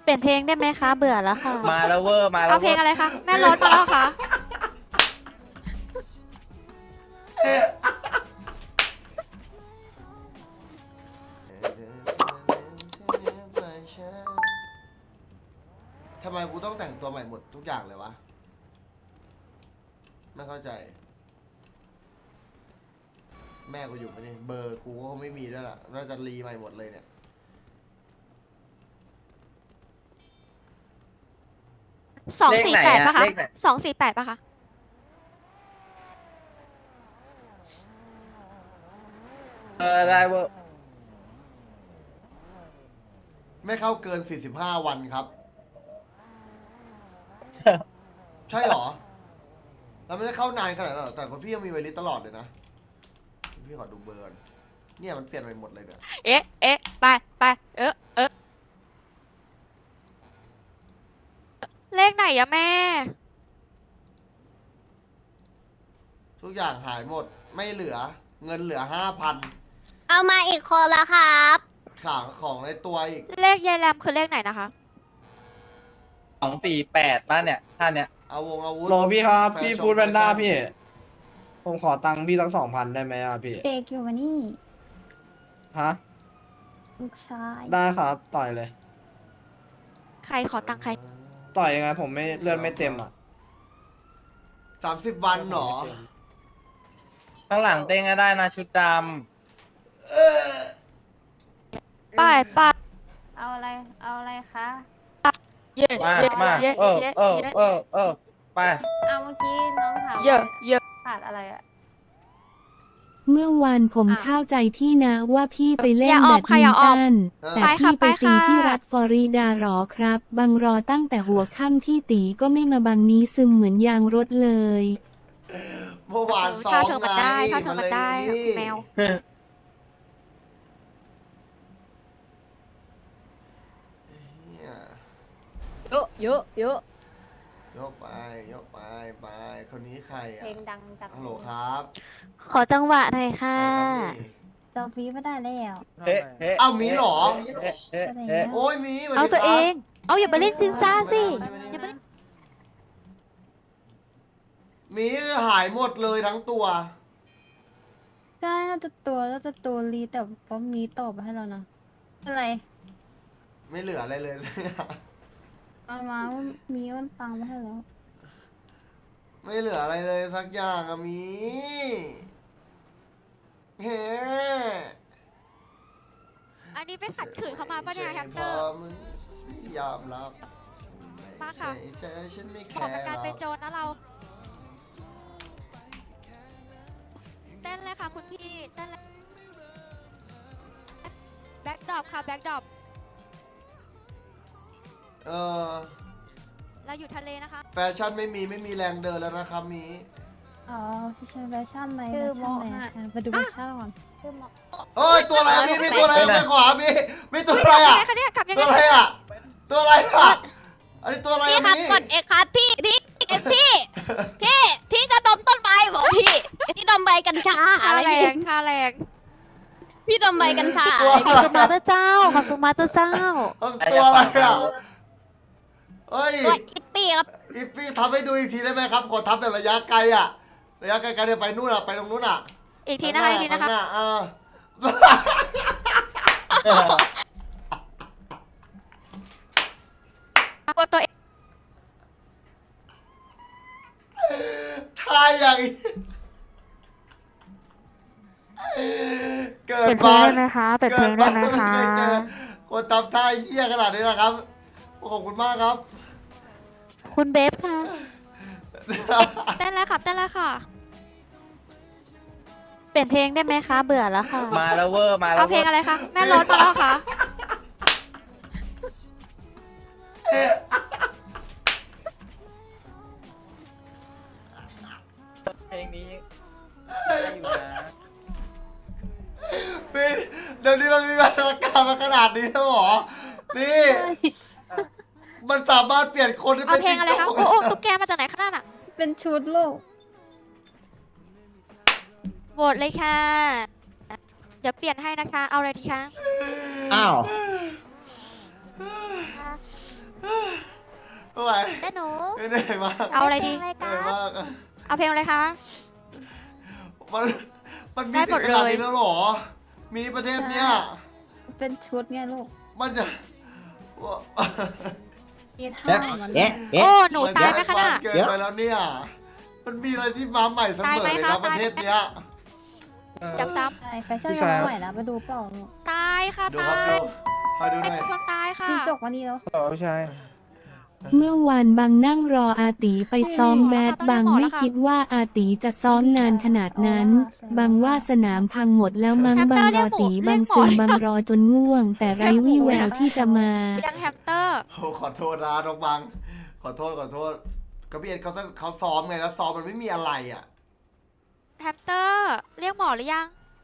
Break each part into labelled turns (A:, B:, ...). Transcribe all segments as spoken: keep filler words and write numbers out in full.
A: เปลี่ยนเพลงได้ไหมคะเบื่อแล้วค่ะ
B: มาแล้วเวอร์มาแล้
C: เอา
B: ว
C: เพ
B: เว
C: ล
B: อง ร์
C: อะไรคะแม่รถมาแล้วคะ
D: ทำไมกูต้องแต่งตัวใหม่หมดทุกอย่างเลยวะไม่เข้าใจ แม่กูอยู่ไหมเนี่ยเบอร์กูก็ไม่มีด้วยล่ะน่าจะรีใหม่หมดเลยเนี่ย
C: สองสี่แปดป่ะคะสองสี่แปดป่ะคะ
B: เออได้เวอร์
D: ไม่เข้าเกินสี่สิบห้าวันครับ ใช่เหรอ เราไม่ได้เข้านานขนาดนั้นหรอกแต่คนพี่ยังมีไวลิสตลอดเลยนะ พี่ขอดูเบอร์ก่อนเนี่ยมันเปลี่ยนไปหมดเลยเนี่ย
C: เอ๊ะเอ๊ะไปไปเออเออเลขไหนอะแม่
D: ทุกอย่างหายหมดไม่เหลือ เงินเหลือห้าพัน
E: เอามาอีกคนละครับ
D: ขางของในตัวอีก
C: เลขยายแรมคือเลขไหนนะคะ
B: สองสี่แปดบ้านเนี่ยท่านเนี่ย
D: เอาวงอาวุธ
F: โหลพี่ครับ
D: แฟ
F: พี่
D: ชั่
F: ฟูดแพนด้า
D: แฟชั่
F: พี่ ผมขอตังค์พี่ตั้งสองพันได้ไหมอ่ะพี่
G: เด็กอยู่มานี่
F: ฮะ
G: ลูกชาย
F: ได้ครับต่อยเลย
C: ใครขอตังค์ใคร
F: ต่อยยังไงผมไม่เลือดไม่เต็มอ่ะ
D: สามสิบวันเหรอ
B: ข้างหลังเต้งก็ได้นะชุดด
C: ไป้ายป้าย
G: เอาอะไร เอาอะไรคะ
C: เย่
B: ำมา
C: เย่
B: มา
C: เย่
B: เออ
C: เย่
B: เออเออเออไป
G: เอาเมื่อกี้น้องถาม
C: เย่เย่
G: ขาดอะไรอะ
H: เมื่อวานผม
G: อ่ะ
H: เข้าใจพี่นะว่าพี่ไปเล่
C: อน ย่าอ
H: แบ
C: อม
H: ด
C: ค่ะ
H: มิ
C: อย่าน ออม
H: ตัน แต่
C: ไปค่ะ
H: พี่ไป
C: ไป
H: ตี
C: ค่ะ
H: ที่รัฐฟลอริดาหรอครับ บังรอตั้งแต่หัวค่ำที่ตีก็ไม่มาบังนี้ซึมเหมือนยางรถเลย
D: เมื่อวานซ้อ
C: ถ้าม เธอมันได้
D: ไง
C: ถ้าเธอมันได้
D: เลย
C: คุณแมว
D: เนี่ย
A: เยอะเยอะเยอะ
D: ยกไปยกไปไปคนนี้ใคร
G: เพล
D: อ่ะ
G: งดังจาก
D: ฮัลโหลครับ
A: ขอจังหวะหน่อยค่ะ
G: จอฟีไม่ได้แล้ว
B: เฮ้เฮ้
D: เอ้ามีเหรอ
B: เฮ้เฮ้เฮ้
D: โอ้ยมีสส
A: เอา
D: ดี
A: ตัว
D: ค
A: เอ
D: รับ
A: ง เอาอย่าไปเล่นซินซ่าสิอย่าไปเล่น
D: มีหายหมดเลยทั้งตัว
G: ใช่น่าจะตัวน่าจะตัวรีแต่ก็มีตอบมาให้เรานะอะไร
D: ไม่เหลืออะไรเลย
G: เอามาว่ามีมันตังมาให้แล้ว
D: ไม่เหลืออะไรเลยสักอย่างอะมีเฮ้
C: อันนี้ไปขัดขืนเขามาปะเนี่ยแฮมสเตอ
D: พ
C: ร์
D: มึงไม่ยอมรับ
C: มาค่ะ
D: ไม่ใช่เธอฉันไม่แค
C: บอก
D: ร์
C: กับการ
D: หร
C: เป็น
D: อก
C: โจรนะเรา เต้นเลยค่ะคุณพี่ เต้นเลยแบ็กดรอปค่ะแบ็กดรอป
D: เออ
C: เราอยู่ทะเลนะคะ
D: แฟชั่นไม่มีไม่มีแรงเดินแล้วนะครับมี
G: อ๋อพี่ชายแฟชั่นไหน
A: ชื่
G: แฟ
A: อ
G: ชั่น
A: โม
G: ไหน
A: ฮะ
G: อ่ะไปดูแฟชั่นก่อน
A: ชื่อหมอ
D: เอ้ยตัวอะไรอะมีมีตัวอะไรไปขวามีมีตัวอะไรอ่ะ
C: คะเนี่ยขับยัง
D: ตั
C: ไง
D: วอะไรอ่ะตัวอะไรอ่ะอันนี้ตัวอะไร
E: พี่
D: อ่ะ
E: ครับ
D: มี
E: กดเอกครับพี่พี่เอกพี่ พี่ที่จะดมต้นไม้บอกพี่ที่ดมใบกัญชา
C: ท่า
E: อะไร
C: แร
E: พี่
C: งท่าแรง
E: พี่ดมใบกัญชา
D: ตัว
A: ขอบคุณมาเตอร์เจ้า ขอบคุณมาเตอร์เจ้า
D: ตัวอะไรอ่ะเฮ้ย
E: ตัวอิปปี้ครับ
D: อีพี่ทำให้ดูอีกทีได้ไหมครับกดทับแบบระยะไกลอ่ะระยะไกลๆเนี่ยไปนู่นอ่ะไปตรงนู้นอ่ะ
C: อีกทีนะคะอีกทีนะคะ
D: ข้างหาอ่า
C: กดตัวเอง
D: ทายอย่างนี้เกิ
A: เป
D: ด
A: ลี่ยนเพล
D: มาง
A: ได้ไหมคะเปลี่ยนเพลงได้ไหมคะ
D: เกิดมาไม่เคยเจอคนทำท่าเหี้ยขนาดนี้นะครับขอบคุณมากครับ
A: คุณเบฟค่ะ
C: เต้นเลยค่ะเต้นเลยค่ะ
A: เปลี่ยนเพลงได้ไหมคะเบื่อแล้วค่ะ
B: มาแล้วเวอร์มาแล้ว
C: เอาเพลงอะไรคะแม่รถมาแล้วค่ะ
B: เพลงนี้ได้อยู่นะ
D: พี่เดี๋ยวนี้มันมีมาตรการมาขนาดนี้แล้วเหรอ นี่ มันสามารถเปลี่ยนคนให้
C: เอา
D: เป็น
C: เพลงอะไรคะ
D: ติ๊ก
C: โอ้
D: ต๊อก
C: โอ้ตุ๊กแกมาจากไหนขนาดน่ะ
G: เป็นชุดลูก
C: โหวตเลยค่ะ เดี๋ยวเปลี่ยนให้นะคะ เอาอะไรดีคะ
F: อ้าว
A: ค่ะ
D: ไม่ไหว
A: แต่หนู
D: ไม่เหนื่อยมาก
C: เอาอะไรดี
A: เพลงอะไร
D: เหนื่
A: กั
D: อย
A: น
D: มาก
C: เอาเพลงอะไรคะ
D: มันมันมี
C: ได้หม
D: ถึ
C: ด
D: งขนาด
C: เลย
D: นี้แล้วเหรอ มีประเทศเนี้ย
G: เป็นชุดไงลูก
D: มันจะ
G: มีท่ามัน
I: เอ๊ะ
C: โอ้หนูตายไหมคะน่ะ
D: เกินไปแล้วเนี่ย มันมีอะไรที่มาใหม่เสมอเลย
C: ตายไหม
D: นะคะ ประเทศเนี้ย
C: จับซ้
G: ใช่แฟชั่นยังไม่ไหวแล้วมาดูเปล่าลูก
C: ำตายค่ะ
D: ดู
C: ตา
D: ครับ
C: ย
D: ดูคอยดูห
C: เป็น
D: น่อย
C: คนตายค่ะ
G: จิ้งจกวันนี้แล้ว
F: พี่ชาย
H: เมื่อวานบางนั่งรออาตีไปซ้อมแบดบางไม่คิดว่าอาตีจะซ้อมนานขนาดนั้น บางว่าสนามพังหมดแล้วมั้งบางรอตีบางซึมบางรอจนง่วง แต่ไร้วี่แววที่จะมา
C: ยังแฮมสเตอร์
D: โอ้ขอโทษนะน้องบัง ขอโทษขอโทษกระเบียนเขาต้องเขาซ้อมไงแล้วซ้อมมันไม่มีอะไรอ่ะ
C: แฮมสเตอร์ เรียกหมอหรือยัง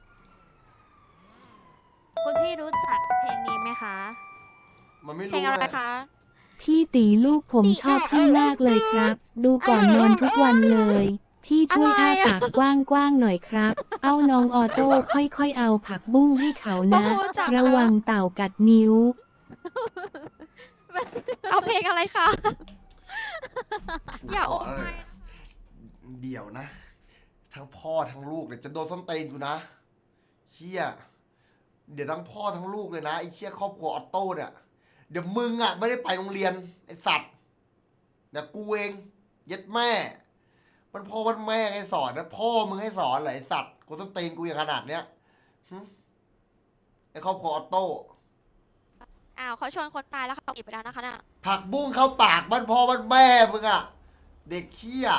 A: คุณพี่รู้จักเพลงนี้ไหมคะ
D: มันไม่
C: เพล
D: รู้
C: งอะไร
D: ไง
C: คะ
H: พี่ตีลูกผมชอบพี่มากเลยครับ ดูก่อนนอนทุกวันเลย พี่ช่วยอ้าปากกว้างๆหน่อยครับ เอาน้องออโต้ค่อยๆเอาผักบุ้งให้เขานะ
C: โอ้โหจับ
H: ระวังเต่ากัดนิ้ว
C: เอาเพลงอะไรคะ อย่า
D: ข
C: โอ้
D: อะไร
C: ย
D: เดี๋ยวนะ ทั้งพ่อทั้งลูกเนี่ยจะโดนส้นตีนกูนะเฮียเดี๋ยวทั้งพ่อทั้งลูกเลยนะไอ้เชี่ยครอบครัวออโต้เนี่ย เดี๋ยวมึงอ่ะไม่ได้ไปโรงเรียนไอ้สัตว์เดี๋ยวกูเองเย็ดแม่ มันพ่อมันแม่ให้สอนนะพ่อมึงให้สอนเหรอไอ้สัตว์กูต้องตีนกูอย่างขนาดเนี้ยหึไอ้ครอบครัวออโต้
C: อ้าวเขาชวนคนตายแล้วเขาอีกไปแล้วนะคะน่ะ
D: ผักบุ้งเข้าปากบ้านพ่อบ้านแม่มึงอ่ะ เด็กเขี้ย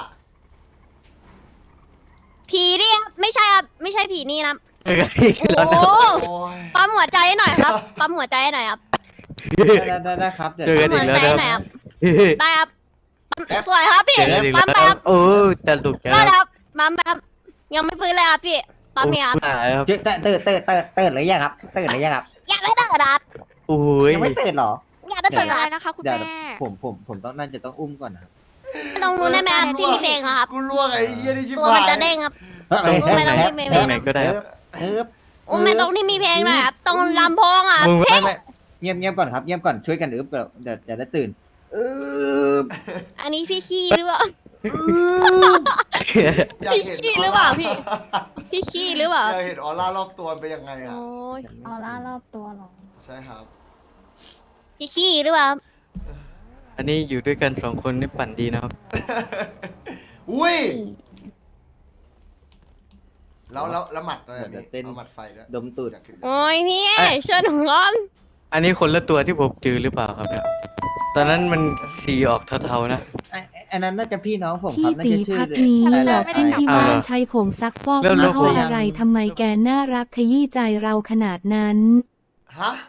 E: ผีนี่ครับไม่ใช่ครับไม่ใช่ผีนี่นะ
I: เจอกันอีกแล้ว
E: โอ้
I: นะ
E: โห
D: โอ้ย
E: ปั๊มหัวใจให้หน่อยครับปั๊มหัวใจให้หน่อยครับ
I: ได้ได้ได้ครับ เจอ
E: ปั๊
I: กั
E: ม
I: นอี
E: หัว
I: กแล้ว
E: ใจ
I: นะ
E: ให้หน่อยครับได้ครับปั๊มสวยครับพี่
I: เจอกันอีก
E: ปั๊มไป
I: แล้ว
E: ครับ
I: โอ้จะหลุดกัน
E: ได้
I: แล้ว
E: ครับปั๊มไปครับยังไม่ฟื้นเลยครับพี่ปั๊มเนี่ยครับ
I: หายครับตื่นตื่นตื่นตื่นตื่นหรือยังครับตื่นหรือยังครับ
E: อย่าไม่ตื่นครับ
I: โอ้ยยังไม่ตื่นหรอ
E: อย่าไม่
C: เพล
E: ตื่
C: ง
E: น
C: อะไร
E: ครับ
C: นะคะคุณ
I: เดี๋ยว
C: แม่
I: ผมผมผมต้องน่าจะต้องอุ้มก่อนนะครับ
E: ตรงนู้นได้ไหมครับที่มีเพลงอะครับ
D: กูล่วงไอ้เหี้ยนี่ชิบ
E: ตัว
D: หาย
E: มันจะเด้งครับ
I: ตรง
E: ไม่ต้องไม่ไม่
I: ไหนก็ได้ครับเออ
E: อุ้มไม่ตรงที่มีเพลงหน่อยครับตรงลำโพงอะ
I: มึง
E: เพล
I: ไม่
E: ง
I: ไม่เงียบเงียบก่อนครับเงียบก่อนช่วยกันอึบเดี๋ยวเดี๋ยวจะได้ตื่นเออ
E: อันนี้พี่ขี้หรือเปล่า
D: อยาก
E: พี่
D: เห็น
E: ขี้หรือเปล่าพี่ พี่ขี้หรือเปล่า
D: อยากเห็นออร่ารอบตัวเป็นยังไงอ่ะ
E: โอ้ย
G: ออร่ารอบตัวเหรอ
D: ใช่ครับ
E: พี่ขี้หรือเปล่า
J: อันนี้อยู่ด้วยกันสองคนนี่ปั่นดีนะครับ
D: อุ้ย แล้วแล้วแล้วหมัดอะไรมีเอาหมัดไฟด้วย
I: ดมตูด
D: อยากเห็น
E: โอ้ยพี่เชิญหนูก่อน
J: อันนี้คนละตัวที่ผมเจอหรือเปล่าครับเนี่ย ตอนนั้นมันสีออกเทาๆนะ
I: ไอ้อันนั้นน่าจะพี่น้องผมค
H: พี่
I: รับน่า
H: ตี
I: จะชื่อ
H: พักนี้
I: อะไร
H: หลอก
I: นะ
H: พี่ที่
J: เอา
H: บ้า
J: เหร
H: น
J: อ
H: ใช้ผงซักฟอก
J: แล้ว
H: ยี่
J: แล้ว
H: ห้อ
J: ผม
H: อะไรทำไมแกน่ารักขยี้ใจเราขนาดนั้น
D: ฮะ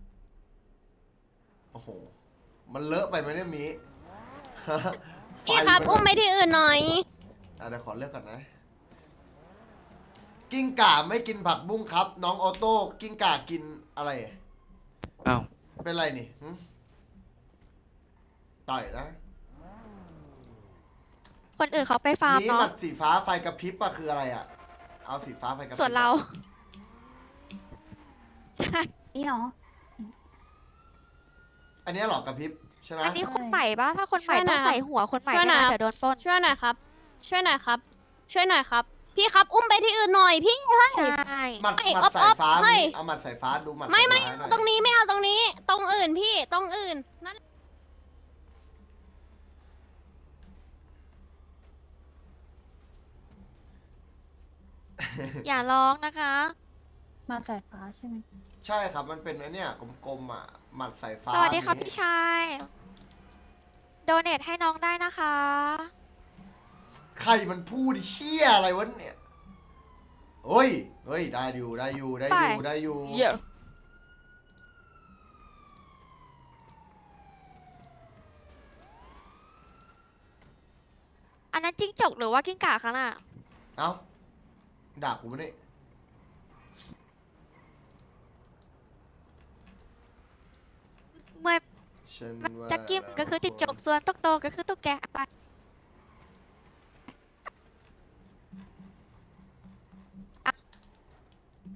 D: โอ้โห มันเลอะไปไหมเนี่ยมี
E: พี่ครับอุ้มไปที่อื่นหน่อย
D: อ่ะเดี๋ยวขอเลือกก่อนนะ กิ้งก่าไม่กินผักบุ้งครับ น้องออโต้ กิ้งก่ากินอะไร
J: อ้าว
D: เป็นไรนี่หึต่อยนะ
C: คนอื่นเขาไปฟาร์ม
D: นี่หมั
C: เนาะ
D: ดสีฟ้าไฟกระพริบอะคืออะไรอะเอาสีฟ้าไฟกระพริบ
C: ส่วนเรา ใช่
G: นี่เหรอ
D: อันเนี้ยเหรอกระพริบใช่ไหม
C: อันนี้คนใหม่ปะถ้าคนใหม่
E: ช่วยหน่
C: ต้
E: อ
C: อย ง
E: ครับ
C: ใส่หัวคนใหม่
E: ช่วยหน่
C: นะ
E: อย
C: เดี๋ยวโดนปล้น
E: ช่วยหน่อยครับ ช่วยหน่อยครับ ช่วยหน่อยครับ พี่ครับอุ้มไปที่อื่นหน่อยพี่
C: ใช่
D: หมัด
E: ให้
D: หมัดสายฟ้า
E: อ๊อฟๆให้
D: มีเอาหมัดสายฟ้าดูหมัด
E: ไม่ไม่
D: สายฟ้าหน่อย
E: ตรงนี้ไม่เอาตรงนี้ ตรงอื่นพี่ตรงอื่นนั่น
C: อย่าร้องนะคะ
G: มาสายฟ้าใช่ไหม
D: ใช่ครับมันเป็นไอ้เนี่ยกลมๆอะหมัดสายฟ้า
C: สวัสดีครับ
D: นี้
C: พี่ชายโดเนทให้น้องได้นะคะ
D: ใครมันพูดเชี่ยอะไรวะเนี่ยเฮ้ยเฮ้ยได้อยู่ได้อยู่ได้อยู่
C: ไป
D: ได้อยู่
C: เยอะอันนั้นจิ้งจกหรือว่ากิ้งก่าคะน่ะ
D: เอ้าด่ากูไม่ได้
C: เมื่อ
D: ฉันว่า
C: จักกิ้มก็คือจิ้งจกส่วนตุ๊กโตก็คือตุ๊กแกไป